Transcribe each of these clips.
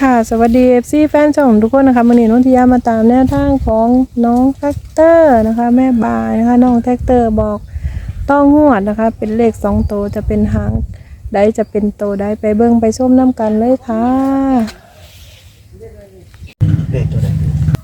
ค่ะสวัสดีFCแฟนช่องทุกคนนะคะวันนี้น้องทิยามาตามแนวทางของน้องแท็กเตอร์นะคะแม่บายนะคะน้องแท็กเตอร์บอกต้องงวดนะคะเป็นเลข2ตัวจะเป็นหางใดจะเป็นตัวใดไปเบิ่งไปชมน้ำกันเลยค่ะเลขตัวใด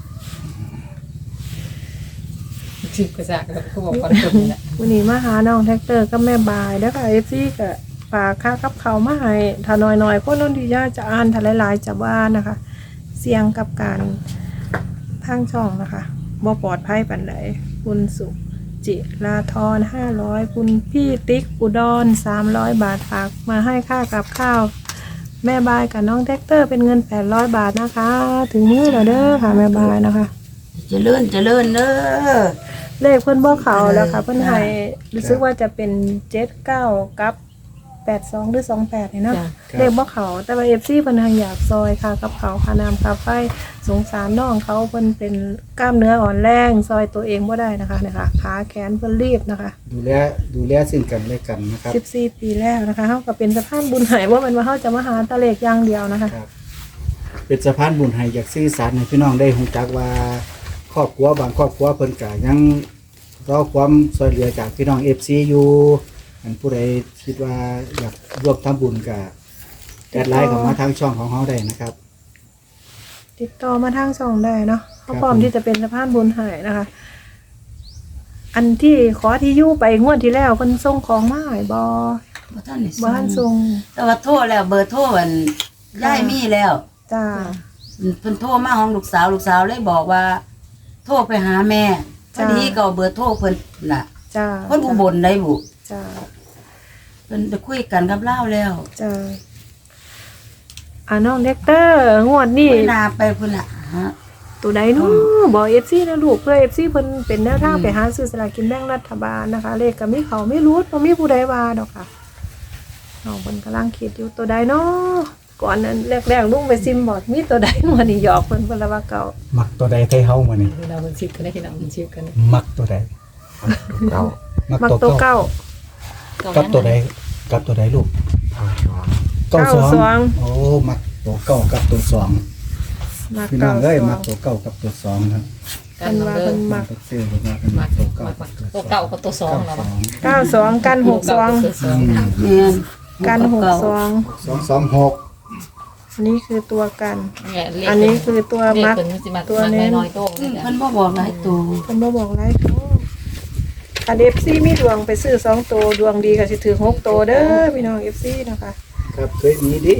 ชิบกระจากแล้วเขาบอกคนตุ่มนี่แหละวันนี้มาหาน้องแท็กเตอร์กับแม่บายแล้วก็ FC ก็ฝากค่ากับเขามาให้ถ้าน้อยๆคนน้องทิยาจะอ่านถ้าหลายๆจะว่านะคะเสี่ยงกับการทางช่องนะคะบ่ปลอดภัยปานใดคุณสุจิราธร500คุณพี่ติ๊กอุดร300 บาทฝากมาให้ค่ากับข้าวแม่บายกับน้องแท็กเตอร์เป็นเงิน800 บาทนะคะถึงมือแล้วเด้อค่ะแม่บายนะคะเจริญเด้อเลขเพิ่นบ่เขาแล้วค่ะเพิ่นให้รู้สึกว่าจะเป็น79กับ82หรือ28นี่เนาะเลขบ่เขาแต่ว่า FC เพิ่นทางอยากซอยค่ะกับเขาค่าน้ำค่าไฟสงสารน้องเขาเพิ่นเป็นกล้ามเนื้ออ่อนแรงซอยตัวเองบ่ได้นะคะเนี่ยค่ะขาแขนเพิ่นรีบนะคะดูแลซึ่งกันและกันนะครับ 14 ปีแล้วนะคะเฮาก็เป็นสะพานบุญให้ว่ามันว่าเฮาจะมาหาตะเลขอย่างเดียวนะคะครับเป็นสะพานบุญให้อยากสื่อสารให้พี่น้องได้รู้จักว่าครอบครัวบางครอบครัวเพิ่นก็ยังรอความช่วยเหลือจากพี่น้อง FC อยู่อันผู้ใดคิดว่าอยากร่วมทำบุญก็แอดไลน์เข้ามาทางช่องของเฮาได้นะครับติดต่อมาทางช่องได้เนาะเขาพร้อมที่จะเป็นสะพานบุญให้นะคะ อันที่ขอที่อยู่ไปงวดที่แล้วเพิ่นส่งของมาให้บ่บ่ทันได้บ่ทันส่งแต่ว่าโทรแล้วเบอร์โทรมันย้ายมีแล้วจ้าเพิ่นโทรมาของลูกสาวเลยบอกว่า โทรไปหาแม่พอดีก็เอาเบอร์โทรเพิ่นน่ะจ้าเพิ่นอุบลได้บุจ้าเพิ่นจะคุยกันกับเราแล้วจ้าน้องเด็กเตอร์งวดนี้เวลาไปพุ่นน่ะฮะตัวใดเนาะบอก FC นะลูกเพื่อ FC เพิ่นเป็นแนวทางไปหาซื้อสลากกินแบ่งรัฐบาลนะคะ เลขก็มีเขาไม่รู้บ่มีผู้ใดว่าดอกค่ะน้องเพิ่นกำลังคิดอยู่ตัวใดเนาะก่อนนั้นแรกๆลุงไปซิมบอกมีตัวใดงวดนี้หยอกเพิ่นละว่าเก่ามักตัวใดไทเฮามื้อนี้เราเป็นชิบกันได้ที่เราเป็นชิบกันมักตัวใดเก่ามักมักตัวตัวเก่าเก่ากับตัวใดกับตัวใดลูก92โอ้มักตัวเก่ากับตัว2 มักพี่น้เก่าองเอ้ยมักตัวเก่ากับตัว2ครับเพิ่นว่าเพิ่นมักตัวเก่าเป็นมักตัวเก่ากับตัวเก่ากับตัวสองเรา 92กัน62 แม่นกัน62 226 อันนี้คือตัวกันเนี่ยเลขอันนี้คือตัวเลขมักเป็นสิมาตัวตัวเน้นน้อยๆโต้เลยจ้ะเพิ่นบ่บอกหลายตัวเพิ่นบ่บอกหลายตัวคัน FC มีดวงไปซื้อ2ตัวดวงดีก็สิถือ6ตัวเด้อพี่น้อง FC นะคะครับเคยมีดิ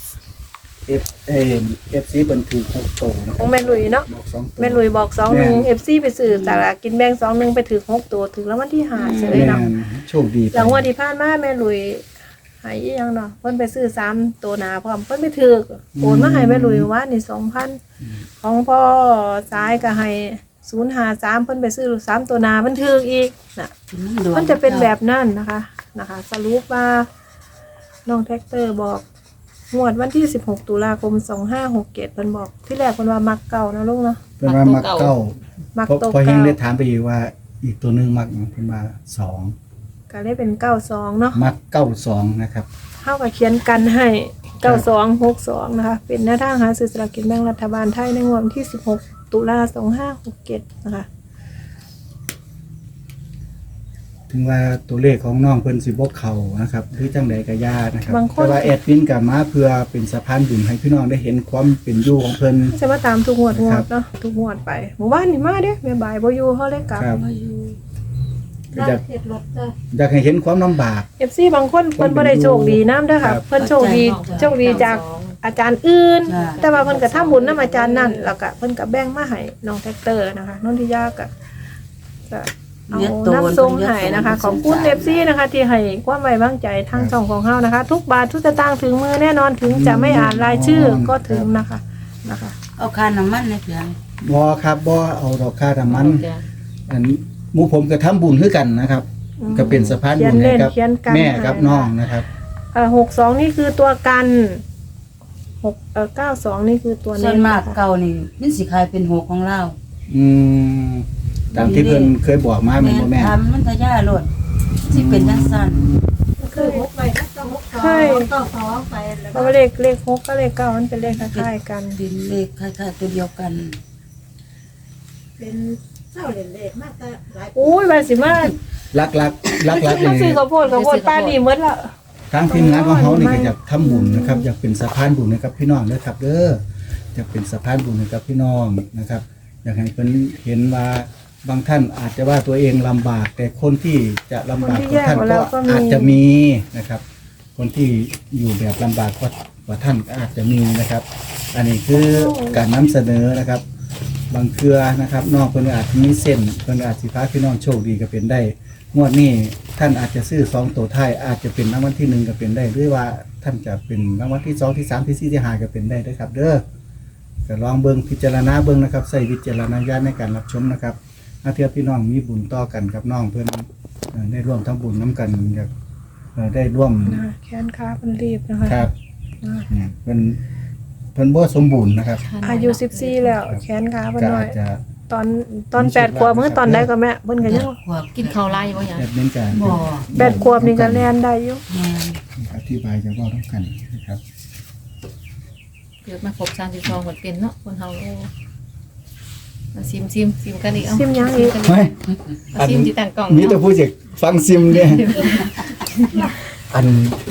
FC เพิ่นถูก6โตนะคขรัอบ งแม่ลุยเนาะบอก2โตแม่ลุยบอก21 FC ไปซื้อสลากกินแบ่ง21ไปถือ6ตัวถึงแล้ววันที่5เฉยแม่เนาะนโชคดีไปหลังวันที่ผ่านมาแม่ลุยหายอีหยังเนาะเพิ่นไปซื้อ3ตัวหนาพร้อมเพิ่นไปถือโอนมาให้แม่ลุยว่านี่ 2,000 ของพ่อซ้ายก็ให้053เพิ่นไปซื้อ3ตัวหนาเพิ่นถืออีกน่ะมันจะเป็นแบบนั้นนะคะสรุปว่าน้องแท็กเตอร์บอกงวดวันที่16ตุลาคม2567เพิ่นบอกที่แรกเพิ่นว่ามักเก่านะลูกเนาะเพิ่นว่ามักเก้ามักพอตัวพอเฮงเก่าได้ถามไปอีกว่าอีกตัวหนึงมักหยังเพิ่นว่า2 ก็ได้เป็น92เนาะมัก92นะครับเท่ากับเขียนกันให้9262นะคะเป็นแนวทางหาซื้อสลากกินแบ่งรัฐบาลไทยในงวดวันที่16ตุลา2567นะคะถึงว่าตัวเลขของน้องเพิ่นสิบ่เข้านะครับหรือจังใดก็ย่านะครับบางคนแต่ว่าแอดมินก็มาเพื่อเป็นสะพานบุญให้พี่น้องได้เห็นความเป็นอยู่ของเพิ่นจะมาตามทุกงวดครับเนาะทุกงวดไปหมู่บ้านนี่มาเด้แม่บ่ายบ่อยู่เฮาเลยกลับครับบ่อยู่อยากอยากให้เห็นความลำบาก FC บางคนเพิ่นบ่ได้โชคดีนำเด้อค่ะครับเพิ่นโชคดีจากอาจารย์อื่น แต่ว่าเพิ่นก็ทำบุญนำอาจารย์นั่นแล้วก็เพิ่นก็แบ่งมาให้น้องแท็กเตอร์นะคะน้องทิยาก็เอาน้ำทรงให้นะคะขอบคุณ FC นะคะที่ให้ความไว้วางใจทางช่องของเฮานะคะ ทุกบาททุกสตางค์ถึงมือแน่นอนถึงจะไม่อ่านรายชื่อก็ถึงนะคะเอาค่าน้ำมันในเพียงบ่ครับบ่เอาดอกค่าน้ำมันอันหมู่ผมก็ทำบุญคือกันนะครับ ก็เป็นสะพานบุญให้กับเขียนกันแม่กับน้องนะครับ 62นี่คือตัวกัน92นี่คือตัวส่เน้วนนมากเก่านี่มันสิขายเป็น6ของเราอืมตามที่เพิ่นเคยบอกมาแม่นบ่แม่ทำมันทะยาโลดสิเป็นจังซั่นคือ6ใบก็6เขาเคยเพราะว่าเลข6ก็เลข9มันเป็นเลขคล้ายๆกันดินเลขคล้ายๆตัวเดียวกันเป็นเจ้าเล่นๆมากแต่หลายอุ้ยบาสิมาลักๆมาซื้อนี่ข้าวโพดป้านี่หมดละทางทีมงานของเขานี่ก็อยากทำบุญนะครับอยากเป็นสะพานบุญนะครับพี่น้องเด้อครับเด้ออยากเป็นสะพานบุญนะครับพี่น้องนะครับ อยากให้เพิ่นเห็นว่าบางท่านอาจจะว่าตัวเองลำบาก แต่คนที่จะลำบากกว่าท่านก็อาจจะมีนะครับ คนที่อยู่แบบลำบากกว่าท่านก็อาจจะมีนะครับ อันนี้คือการนำเสนอนะครับ บางเครือนะครับน้องเพิ่นอาจจะมีเส้นเพิ่นอาจสิพาพี่น้องโชคดีก็เป็นได้งวดนี้ท่านอาจจะซื้อ2ตัวท้ายอาจจะเป็นรางวัลที่1ก็เป็นได้หรือว่าท่านจะเป็นรางวัลที่2ที่3ที่4ที่5ก็เป็นได้เด้อครับเด้อก็ลองเบิ่งพิจารณาเบิ่งนะครับใส่วิจารณญาณในการรับชมนะครับถ้าเทียบพี่น้องมีบุญต่อกันกับน้องเพิ่นได้ร่วมทำบุญน้กันอยากได้ร่วมนะแขนขาเพิ่นรีบนะคะครับเนี่ยเพิ่นบ่สมบูรณ์นะครับอายุ14แล้วแขนขาเพิ่นก็น้ออาย จจะตอน8ขวบมื้อตอนใดก็แม่เพิ่นก็ยังขวบกินข้าวไล่บ่หยังแอดมินการบ่ 8ขวบนี่ก็แล่นได้อยู่แม่นอธิบายจะว่าต้องกันนะครับเกิดมาครบ32คนเป็นเนาะคนเฮาโอ้มาซิมกันอีกเอาซิมยังอีกเฮ้ยเอาซิมที่ตั้งกล้องมีแต่ผู้เจ็กฟังซิมเนี่ยอัน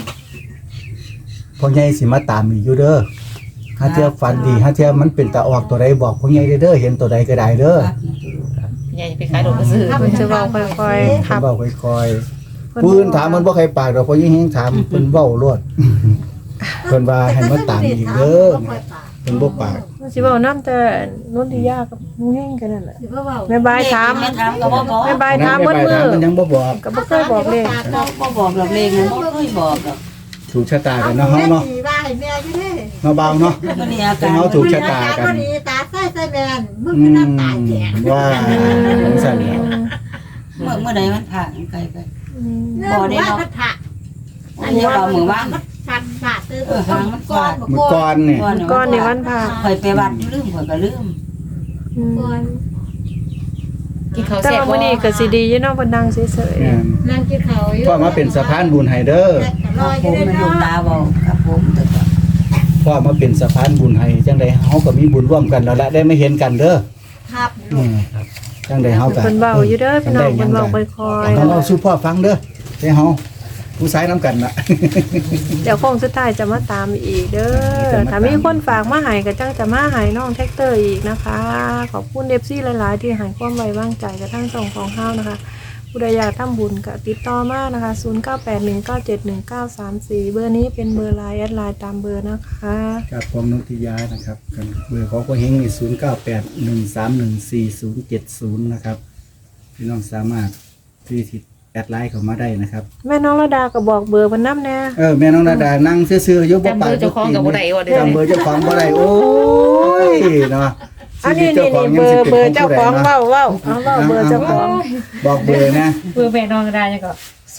พ่อใหญ่สิมาตามอีกอยู่เด้อถ้าเทียบฟันดีถ้าเทียบมันเป็นตาออกตัวใดบอกพ่อใหญ่เด้อเห็นตัวใดก็ได้เด้อใหญ่ไปขายดอกกระซื้อเพิ่นจะเว้าค่อยๆทับเว้าค่อยๆปืนถามมันบ่ใครปากดอกพ่อใหญ่เฮงถามเพิ่นเว้าโลดเพิ่นว่าให้มาตามอีกเด้อเพิ่นบ่ปากมันสิเว้านำแต่นุ่นที่ยากับนุ่งเฮงกันนั่นแหละสิบ่เว้าแม่บายถามแม่ถามก็บ่บอกแม่บายถามเบิดมื้อมันยังบ่บอกก็บ่เคยบอกเลยบ่บอกหรอกเลขนั้นบ่เคยบอกหรอกถูกชะตากันเนาะเฮาเนาะว่าให้แม่อยู่เด้เนาะเบาเนาะมื้อนี้อาการเฮาถูกชะตากันบ่ดีตาใส่แม่นมึงคือน้ำตาแตกว่าจังซั่นแหละเมื่อใดมันผ่านไกลไปเนื่องว่าพัทธะอันนี้ว่ามื้อวานฟันขาดตื้อหางมันขาดเมื่อก่อนเนี่ยก้อนในวันพระข่อยไปวัดลืมข่อยก็ลืมอืมกินข้าวแต่แซ่บว่าบ่มื้อนี้ก็สิดีอยู่เนาะเพิ่นนั่งเฉยแม่นนั่งกินข้าวอยู่พ่อมาเป็นสะพานบุญให้เด้อรออผยู่มเด้มันลูกเนาะตาบอกครับผมแต่ก็พ่อมาเป็นสะพานบุญให้จังใดเฮาก็มีบุญร่วมกันแล้วละได้ไม่เห็นกันเด้อครับจังใดเฮาๆก็เพิ่นเว้าอยู่เด้อพี่น้องเพิ่นเว้าค่อยต้องเอาสู่พ่อฟังเด้อให้เฮาผู้ชายนํกันน่ะๆเดี๋ยวโค้งสุดท้ายจะมาตามอีกเด้อถ้ามีคนฝากมาให้ก็จังจะมาให้น้องแท็กเตอร์อีกนะคะ ขอบคุณ FC หลายๆที่ให้ความไว้วางใจกับทั้งสองของเฮานะคะผู้ใดอยากทำบุญก็ติดต่อมานะคะ 0981971934 เบอร์นี้เป็นเบอร์ไลน์แอดไลน์ตามเบอร์นะคะครับผมนนทิยานะครับกันเบอร์ของพ่อเฮงนี่0981314070นะครับพี่น้องสามารถที่ติดแอดไลน์เข้ามาได้นะครับแม่น้องระดาก็บอกเบอร์เพิ่นนำแน่แม่น้องนาดานั่งซื่อๆอยู่บ่จำปาเบอก ร์เจ้าของกับบ่ได้ว่าเด้อจำเบอร์เจ้าของบ่ได้โอ้ยเนาะอันนี้นี่เบอร์เจ้าของเว้าเอาเว้าเบอร์เจ้าของบอกเบอร์นะเบอร์แม่น้องก็ได้ยังก็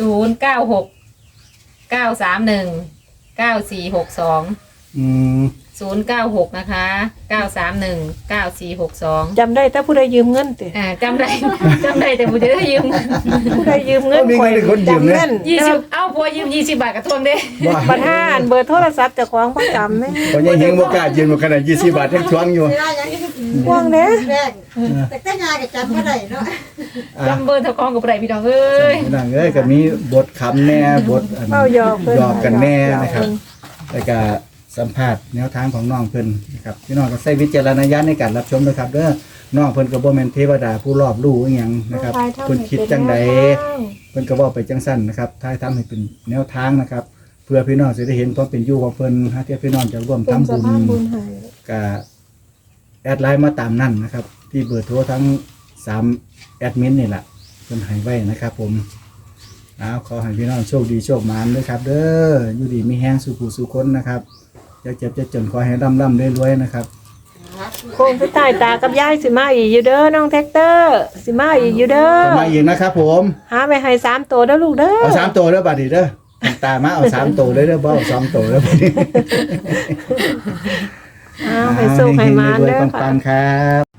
096 931 9462 อืม 096 นะคะ 931 9462 จำได้แต่ผู้ใดยืมเงินติจำได้ แต่ผมจะได้ยืมผู้ใดยืมเงินข่อยจำแม่น 20เอาพัวยืม20 บาทกับทวงเด้ว่าบัดห้านเบอร์โทรศัพท์เจ้าของบ่จำแม่พอยังเฮงบ่กล้ายืนบ่ขนาด20 บาทยังทวงอยู่เวลาอย่างนี้ห่วงเด้แรกแต่งานก็จำบ่ได้เนาะจำเบอร์เจ้าของกับไรพี่น้องเอ้ยนั่งเอ้ยก็มีบทคำแน่บทอันเว้าหยอกเพิ่นหยอกกันแน่นะครับแล้วก็สัมภาษณ์แนวทางของน้องเพิ่นนะครับพี่น้องก็ใช้วิจารณญาณในการรับชมนะครับเด้อน้องเพิ่นก็บ่แม่นเทวดาผู้รอบรู้อีหยังนะครับเพิ่นคิดจังใดเพิ่นก็เว้าไปจังซั่นนะครับท้ายทำให้เป็นแนวทางนะครับ เพื่อพี่น้องจะได้เห็นความเป็นอยู่ของเพิ่นหาที่พี่น้องจะร่วมเป็นทำสะบุญพานบุญให้ก็แอดไลน์มาตามนั่นนะครับ ที่เบอร์โทรทั้ง3แอดมินนี่แหละเพิ่นให้ไว้นะครับผมขอให้พี่น้องโชคดีโชคหมานด้วยครับ เด้ออยู่ดีมีแห้งสู่ผู้สู่คนนะครับจะเจ็บจะจนขอให้ร่ำรวยๆนะครับโค้งสุดท้ายตากับยายสิมาอีกอยู่เด้อน้องแท็กเตอร์สิมาอีกอยู่เด้อจะมาอีกนะครับผมหาไปให้3ตัวเด้อลูกเด้อเอา3ตัวเด้อบัดนี้เด้อตามาเอา3ตัวเลยเด้อบ่เอา2ตัวเด้อบัดนี้ให้สุขให้หมานเด้อปัค่ะงๆครับ